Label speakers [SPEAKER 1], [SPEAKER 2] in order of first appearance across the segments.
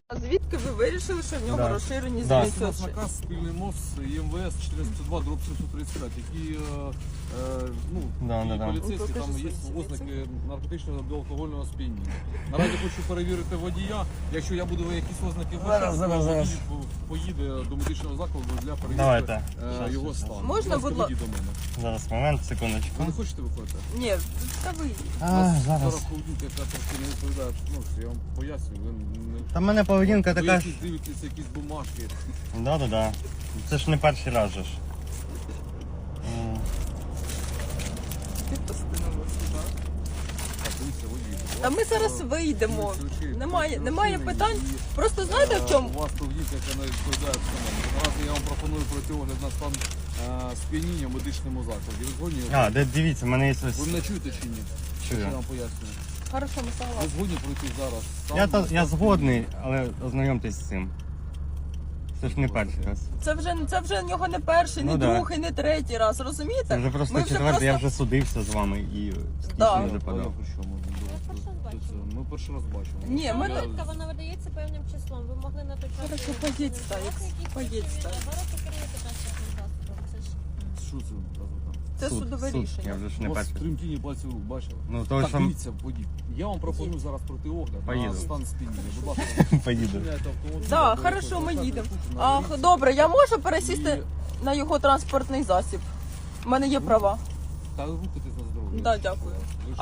[SPEAKER 1] А звідки ви вирішили, що в нього розширені
[SPEAKER 2] Да.
[SPEAKER 1] зміни?
[SPEAKER 3] У нас наказ спільний МОЗ ЄМВС 452/135, які поліцейські, там є ознаки наркотичного до алкогольного сп'яніння. Наразі хочу перевірити водія. Якщо я буду якісь ознаки бачити,
[SPEAKER 2] Зараз.
[SPEAKER 3] поїде до медичного закладу для перевірки його стану.
[SPEAKER 1] Можна, будь ласка?
[SPEAKER 3] До мене.
[SPEAKER 2] Зараз, момент, секундочку.
[SPEAKER 3] Ви не хочете виходити?
[SPEAKER 1] Ні, та ви.
[SPEAKER 2] Зараз.
[SPEAKER 3] Зараз поведінка, яка трошки не відповідає. Я вам пояснюю, ви не...
[SPEAKER 2] Та в мене поведінка така.
[SPEAKER 3] Ви дивитеся якісь бумажки.
[SPEAKER 2] Да. Це ж не перший раз же ж.
[SPEAKER 1] Ти постановився, так?
[SPEAKER 3] Так, дивіться, водій.
[SPEAKER 1] Та ми зараз вийдемо. Немає питань. Просто знаєте в чому?
[SPEAKER 3] У вас поведінка, яка не відповідає встановленню. Наразі я вам пропоную пройти огляд на стан сп'яніння в медичному закладі. Ви згодні?
[SPEAKER 2] Дивіться, в мене є ось.
[SPEAKER 3] Ви мене чуєте чи ні?
[SPEAKER 2] Чую.
[SPEAKER 3] Я вам пояснюю.
[SPEAKER 1] Хорошо, ми
[SPEAKER 3] Ви
[SPEAKER 1] согласні.
[SPEAKER 3] згодні пройти зараз?
[SPEAKER 2] Я згодний, але ознайомтесь з цим. Це ж не перший раз.
[SPEAKER 1] Це вже в нього не перший, не
[SPEAKER 2] Ну, да.
[SPEAKER 1] другий, не третій раз, розумієте?
[SPEAKER 2] Це вже просто
[SPEAKER 1] Ми
[SPEAKER 2] четвертий, я вже судився з вами і
[SPEAKER 1] Да.
[SPEAKER 2] скільки вже подав.
[SPEAKER 3] Понятно, що ми Ми перший раз бачимо.
[SPEAKER 1] Ні, ми так.
[SPEAKER 4] Довідка, вона видається певним числом. Ви могли на той час...
[SPEAKER 1] Хорошо, поїдь, Стаєкс, поїдь, Стаєкс.
[SPEAKER 4] Ви роки керуєте транспортним засобом. Це ж...
[SPEAKER 3] Що це там?
[SPEAKER 1] Це судове
[SPEAKER 2] Я
[SPEAKER 1] рішення.
[SPEAKER 2] вже ж
[SPEAKER 3] У
[SPEAKER 2] не
[SPEAKER 3] вас
[SPEAKER 2] перший.
[SPEAKER 3] тремтіння пальців рук, бачили?
[SPEAKER 2] Ну, то
[SPEAKER 3] Так,
[SPEAKER 2] що
[SPEAKER 3] дивіться, водій. Я вам пропоную зараз пройти огляд
[SPEAKER 2] Поїду.
[SPEAKER 3] на стан сп'яніння. Будь ласка,
[SPEAKER 2] поїду.
[SPEAKER 3] зупиняйте автомобіль.
[SPEAKER 1] Так,
[SPEAKER 3] або
[SPEAKER 1] хорошо, ми
[SPEAKER 3] якось
[SPEAKER 1] їдемо.
[SPEAKER 3] на
[SPEAKER 1] Ах,
[SPEAKER 3] доріжці.
[SPEAKER 1] добре, я можу пересісти на його транспортний засіб? У мене є права.
[SPEAKER 3] Та рухайтесь на здоров'я.
[SPEAKER 1] Да, дякую.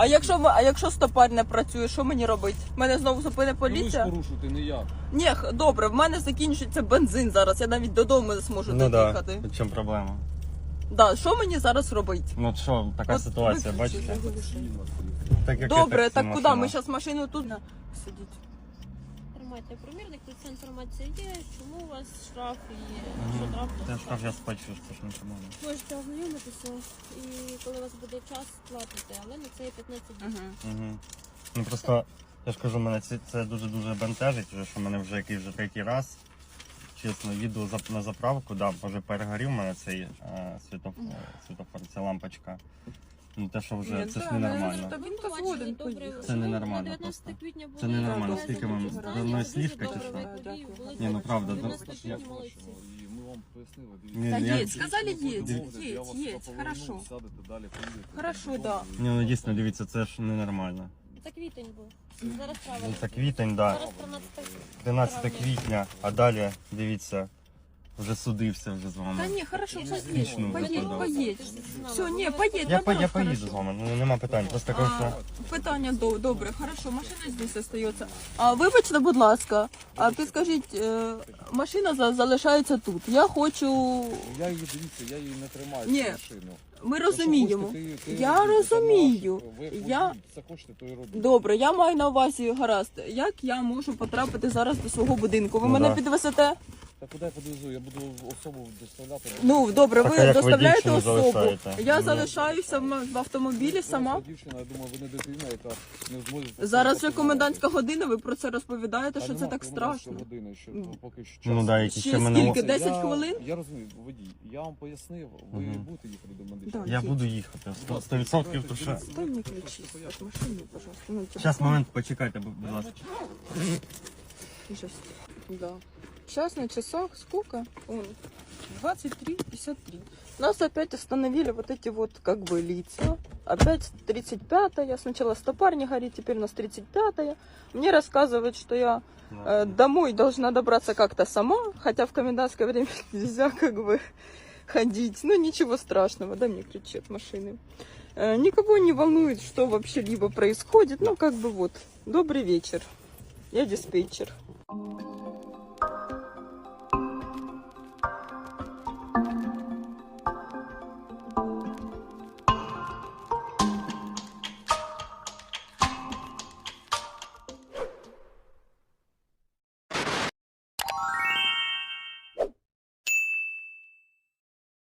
[SPEAKER 1] А якщо стопар не працює, що мені робити? Мене знову зупине
[SPEAKER 3] Ви ж
[SPEAKER 1] поліція?
[SPEAKER 3] порушуєте, не я.
[SPEAKER 1] Ні, добре, в мене закінчується бензин зараз, я навіть додому не зможу
[SPEAKER 2] Ну
[SPEAKER 1] доїхати.
[SPEAKER 2] так, в чому проблема?
[SPEAKER 1] Да, що мені зараз робити?
[SPEAKER 2] Ну що, така
[SPEAKER 1] От
[SPEAKER 2] ситуація,
[SPEAKER 1] виключи,
[SPEAKER 2] бачите?
[SPEAKER 1] заглуши.
[SPEAKER 2] Так, як
[SPEAKER 1] Добре,
[SPEAKER 2] це
[SPEAKER 1] так
[SPEAKER 2] машина.
[SPEAKER 1] куди? Ми зараз машину тут сидіть.
[SPEAKER 4] Тримайте примірник, тут ця інформація є, чому у вас штраф і що
[SPEAKER 2] Це
[SPEAKER 4] трапилося.
[SPEAKER 2] штраф я сплачу, що ж не проблема.
[SPEAKER 4] Можете ознайомитися і коли у вас буде час, платите, але на це є 15 днів.
[SPEAKER 2] Ну просто, я ж кажу, мене це дуже-дуже бентежить, вже, що мене вже якийсь вже третій раз. Чесно, їду на заправку, да, може перегорів у мене цей світофор, ця лампочка. Ну те, що вже, це ж ненормально.
[SPEAKER 1] Та він
[SPEAKER 4] Ми
[SPEAKER 1] то
[SPEAKER 4] побачили
[SPEAKER 1] згоден
[SPEAKER 4] добре,
[SPEAKER 1] поїхати.
[SPEAKER 2] Це ненормально
[SPEAKER 4] 19
[SPEAKER 2] просто.
[SPEAKER 4] квітня було
[SPEAKER 2] Це ненормально.
[SPEAKER 4] відвезено
[SPEAKER 2] Скільки вам?
[SPEAKER 4] до
[SPEAKER 2] До одної
[SPEAKER 4] дуже
[SPEAKER 2] слівки чи
[SPEAKER 4] добре
[SPEAKER 2] що?
[SPEAKER 4] водії були
[SPEAKER 2] Ні, ну правда,
[SPEAKER 4] 19
[SPEAKER 2] ну,
[SPEAKER 4] квітня молодці.
[SPEAKER 3] І ми вам пояснили.
[SPEAKER 2] Ні,
[SPEAKER 1] Та
[SPEAKER 2] я-
[SPEAKER 1] їдь, сказали їдь,
[SPEAKER 3] Я вас
[SPEAKER 1] їдь,
[SPEAKER 3] поверну,
[SPEAKER 1] хорошо.
[SPEAKER 3] сядете, далі поїдете.
[SPEAKER 1] Хорошо, да.
[SPEAKER 2] Ні, ну дійсно, дивіться, це ж ненормально.
[SPEAKER 4] Це квітень був. Зараз
[SPEAKER 2] Ну
[SPEAKER 4] правильно.
[SPEAKER 2] це квітень, да.
[SPEAKER 4] Зараз 13
[SPEAKER 2] 13 квітня, а далі, дивіться, вже судився вже з
[SPEAKER 1] Та
[SPEAKER 2] вами.
[SPEAKER 1] ні, хорошо,
[SPEAKER 2] Смішно
[SPEAKER 1] поїдь,
[SPEAKER 2] виглядає.
[SPEAKER 1] поїдь. Все, ні, поїдь,
[SPEAKER 2] Я
[SPEAKER 1] наоборот,
[SPEAKER 2] поїду
[SPEAKER 1] хорошо.
[SPEAKER 2] з вами, ну нема питань. Просто кажу, що
[SPEAKER 1] Питання добре, хорошо, машина здесь остається. А вибачте, будь ласка, а підскажіть, машина залишається тут. Я хочу.
[SPEAKER 3] Я її, дивіться, я її не тримаю,
[SPEAKER 1] Ні.
[SPEAKER 3] цю машину.
[SPEAKER 1] Ми
[SPEAKER 3] Якщо
[SPEAKER 1] розуміємо.
[SPEAKER 3] хочете, ти
[SPEAKER 1] Я
[SPEAKER 3] робіть, це
[SPEAKER 1] розумію.
[SPEAKER 3] ваше. Ви
[SPEAKER 1] Я-
[SPEAKER 3] це хочете, то і робіть.
[SPEAKER 1] Добре, я маю на увазі гаразд. Як я можу потрапити зараз до свого будинку? Ви
[SPEAKER 2] Ну,
[SPEAKER 1] мене
[SPEAKER 2] да.
[SPEAKER 1] підвезете?
[SPEAKER 3] Та куди я подвезу? Я буду особу доставляти.
[SPEAKER 1] Ну добре,
[SPEAKER 2] Так, а
[SPEAKER 1] ви
[SPEAKER 2] як ви
[SPEAKER 1] доставляєте
[SPEAKER 2] дівчину
[SPEAKER 1] особу.
[SPEAKER 2] залишаєте?
[SPEAKER 1] Я
[SPEAKER 2] Ну,
[SPEAKER 1] залишаюся в автомобілі сама.
[SPEAKER 3] Це дівчина, я думаю, ви не дитина, яка не зможе...
[SPEAKER 1] Зараз вже комендантська година. Ви про це розповідаєте,
[SPEAKER 3] Та
[SPEAKER 1] що це
[SPEAKER 3] нема
[SPEAKER 1] так
[SPEAKER 3] комендантської
[SPEAKER 1] страшно.
[SPEAKER 3] години, що поки що
[SPEAKER 2] ну
[SPEAKER 3] час.
[SPEAKER 2] да, які
[SPEAKER 1] Ще
[SPEAKER 2] ще мене.
[SPEAKER 1] скільки?
[SPEAKER 3] Дивіться,
[SPEAKER 1] 10 хвилин?
[SPEAKER 3] Я розумію, водій, я вам пояснив, ви
[SPEAKER 2] Мгм.
[SPEAKER 3] будете їхати до медичного.
[SPEAKER 1] Да.
[SPEAKER 2] Я буду їхати. 100%, то що.
[SPEAKER 1] Дай мне ключи от машины, пожалуйста. Ну,
[SPEAKER 2] Зараз, момент, почекайте, будь ласка.
[SPEAKER 1] Сейчас. Да. Сейчас на часах сколько? Он 23:53. Нас опять остановили вот эти вот как бы лица. Опять 35-я. Сначала стопар не горит, теперь у нас 35-я. Мне рассказывают, что я домой должна добраться как-то сама, хотя в комендантское время нельзя как бы ходить. Ну ничего страшного, да, мне ключи от машины. Никого не волнует, что вообще либо происходит. Ну как бы вот. Добрый вечер. Я диспетчер.